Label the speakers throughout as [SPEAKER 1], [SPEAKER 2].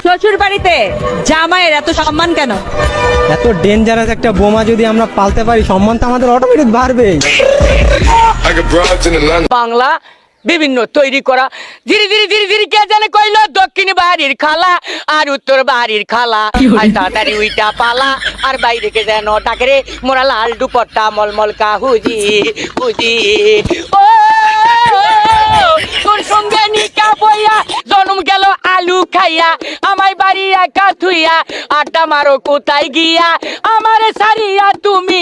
[SPEAKER 1] শ্বশুর বাড়িতে জামাইয়ের এত সম্মান কেন?
[SPEAKER 2] এত ডেঞ্জারাস একটা বোমা যদি আমরা পালতে পারি, সম্মান তো আমাদের অটোমেটিক বাড়বে।
[SPEAKER 3] বাংলা বিভিন্ন তৈরি করা ধীরে ধীরে ধীরে ধীরে কে জানে কইলো দক্ষিণ বাড়ির খালা আর উত্তর বাড়ির খালা আর তাড়াতাড়ি উইটা পালা আর বাইরে কে যেন ডাকে রে মোরা লাল দুপট্টা মলমল কাহুজি হুজি ও তোর সঙ্গে নিকা বইয়া জন্ম গেল আলু খাইয়া আমায় বাড়ি একা থুইয়া আড্ডা মারো কোথায় গিয়া আমারে সারিয়া তুমি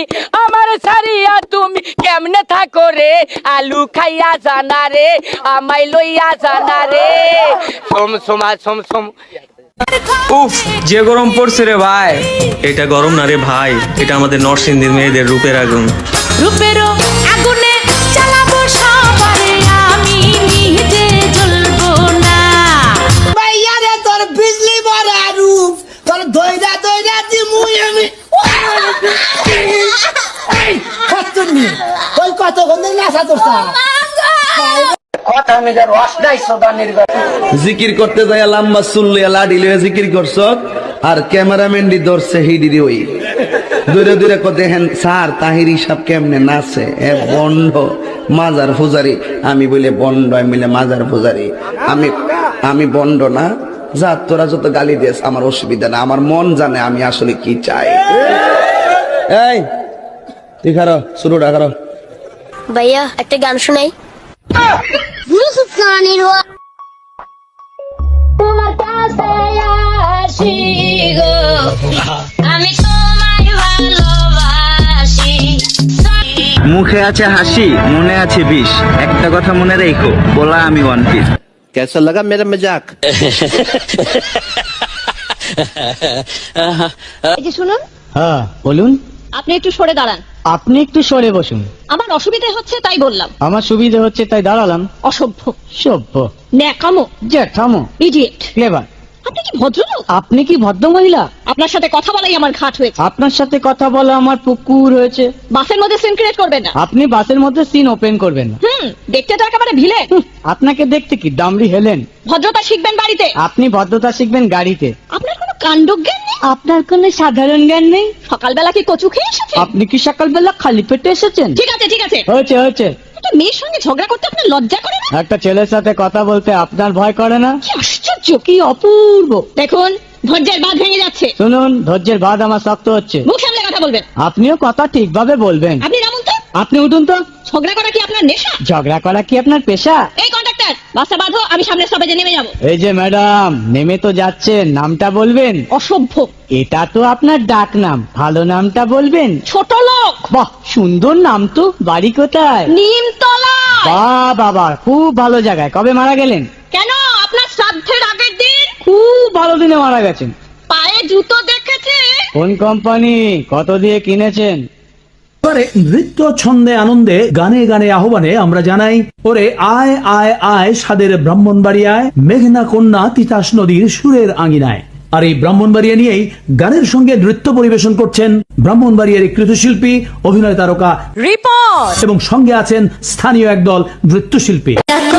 [SPEAKER 3] কেমনে থাকো রে আলু খাইয়া জানা রে আমায় লইয়া জানা রে সোম সোমা সোম সোম।
[SPEAKER 4] উফ, যে গরম পড়ছে রে ভাই। এটা গরম না রে ভাই, এটা আমাদের নরসিংদীর মেয়েদের রূপের আগুন।
[SPEAKER 5] রূপেরও আগুনে জ্বালাবো সবারে, আমি নিজে জ্বলবো না।
[SPEAKER 6] ভাইয়া রে তোর বিজলি ভরা রূপ, তোর দইরা দইরা দিমুই আমি। এই কত নি তুই কত গন্ধ নাচা তোরছা কথা মেজার রস নাই সোদানির
[SPEAKER 7] জিকির করতে যায় লম্বা চুল্লিয়া লাডি লইয়া জিকির করছ, আর ক্যামেরাম্যান ডি ধরছে হিডিরি ওই দূরে দূরে কো দেখেন স্যার তাহিরি সাহেব কেমনে নাচে, এ বন্ড মাজার পূজারি। আমি বলে বন্ড, আমি বলে মাজার পূজারি। আমি বন্ড না, যা তোরা যত গালি দিস আমার অসুবিধা না, আমার মন জানে আমি আসলে কি চাই। এই তুই খারো, শুরুটা খারো।
[SPEAKER 8] ভাইয়া একটা গান শোনাই।
[SPEAKER 5] তোমার কাছে আসি গো, আমি তোমায় ভালোবাসি।
[SPEAKER 9] মুখে আছে হাসি, মনে আছে বিষ। একটা কথা মনে রেখো, বলা আমি ওয়ান পিস।
[SPEAKER 7] कैसा लगा मेरा मजाक?
[SPEAKER 1] এই যে শুনুন,
[SPEAKER 2] হ্যাঁ বলুন।
[SPEAKER 1] আপনি একটু সরে দাঁড়ান।
[SPEAKER 2] আপনি একটু সরে বসুন।
[SPEAKER 1] আমার অসুবিধা হচ্ছে তাই বললাম।
[SPEAKER 2] আমার সুবিধা হচ্ছে তাই দাঁড়ালাম।
[SPEAKER 1] অসভ্য,
[SPEAKER 2] সভ্য,
[SPEAKER 1] ন্যাকামো,
[SPEAKER 2] জ্যাঠামো,
[SPEAKER 1] ইডিয়েট।
[SPEAKER 2] ক্লেভার।
[SPEAKER 1] আপনি কি ভদ্রলোক?
[SPEAKER 2] আপনি কি ভদ্র মহিলা?
[SPEAKER 1] আপনার সাথে কথা বলাই আমার ঘাট হয়েছে।
[SPEAKER 2] আপনার সাথে কথা বলা আমার পুকুর হয়েছে।
[SPEAKER 1] বাসের মধ্যে সিন ক্রিয়েট করবেন না।
[SPEAKER 2] আপনি বাসের মধ্যে সিন ওপেন করবেন না।
[SPEAKER 1] দেখতে তো একেবারে ভিলে।
[SPEAKER 2] আপনাকে দেখতে কি ডামরি হেলেন?
[SPEAKER 1] ভদ্রতা শিখবেন বাড়িতে।
[SPEAKER 2] আপনি ভদ্রতা শিখবেন গাড়িতে।
[SPEAKER 1] আপনার কোনো কাণ্ডজ্ঞান নেই।
[SPEAKER 2] আপনার কোনো সাধারণ জ্ঞান নেই।
[SPEAKER 1] সকালবেলা কি কচু খেয়ে এসেছেন?
[SPEAKER 2] আপনি কি সকালবেলা খালি পেটে এসেছেন?
[SPEAKER 1] ঠিক আছে ঠিক আছে,
[SPEAKER 2] হয়েছে হয়েছে।
[SPEAKER 1] একটা মেয়ের সঙ্গে ঝগড়া করতে আপনার লজ্জা করে না?
[SPEAKER 2] একটা ছেলের সাথে কথা বলতে আপনার ভয় করে না?
[SPEAKER 1] কি আশ্চর্য, কি অপূর্ব। দেখুন ধৈর্যের বাঁধ ভেঙে যাচ্ছে।
[SPEAKER 2] শুনুন, ধৈর্যের বাঁধ আমার শক্ত হচ্ছে।
[SPEAKER 1] মুখ সামলে কথা বলবেন।
[SPEAKER 2] আপনিও কথা ঠিকভাবে বলবেন।
[SPEAKER 1] আপনি নামুন তো।
[SPEAKER 2] আপনি উঠুন তো।
[SPEAKER 1] ঝগড়া করা কি আপনার নেশা?
[SPEAKER 2] ঝগড়া করা কি আপনার পেশা?
[SPEAKER 1] এই কন্ডাক্টর, বাসটা বাঁধো, আমি সামনের স্টপেজে নেমে যাব।
[SPEAKER 2] এই যে ম্যাডাম, নেমে তো যাচ্ছেন, নামটা বলবেন।
[SPEAKER 1] অসভ্য।
[SPEAKER 2] এটা তো আপনার ডাক নাম, ভালো নামটা বলবেন।
[SPEAKER 1] ছোট লোক।
[SPEAKER 2] বাহ, সুন্দর নাম তো। বাড়ি কোথায়?
[SPEAKER 1] নিমতলা।
[SPEAKER 2] বাহ বাবা, খুব ভালো জায়গায়। কবে মারা গেলেন?
[SPEAKER 1] কেন, আপনার শ্রাদ্ধের আগের দিন।
[SPEAKER 2] খুব ভালো দিনে মারা গেছেন।
[SPEAKER 1] পায়ে জুতো দেখেছে?
[SPEAKER 2] কোন কোম্পানি, কত দিয়ে কিনেছেন?
[SPEAKER 10] এবারে নৃত্য ছন্দে আনন্দে গানে গানে আহ্বানে আমরা জানাই, ওরে আয় আয় আয় সাদের ব্রাহ্মণবাড়িয়ায়, মেঘনা কন্যা তিতাস নদীর সুরের আঙিনায়। আর এই ব্রাহ্মণবাড়িয়া নিয়েই গানের সঙ্গে নৃত্য পরিবেশন করছেন ব্রাহ্মণবাড়িয়ার কৃতশিল্পী, অভিনয় তারকা
[SPEAKER 1] রিপোর্ট
[SPEAKER 10] এবং সঙ্গে আছেন স্থানীয় একদল নৃত্যশিল্পী।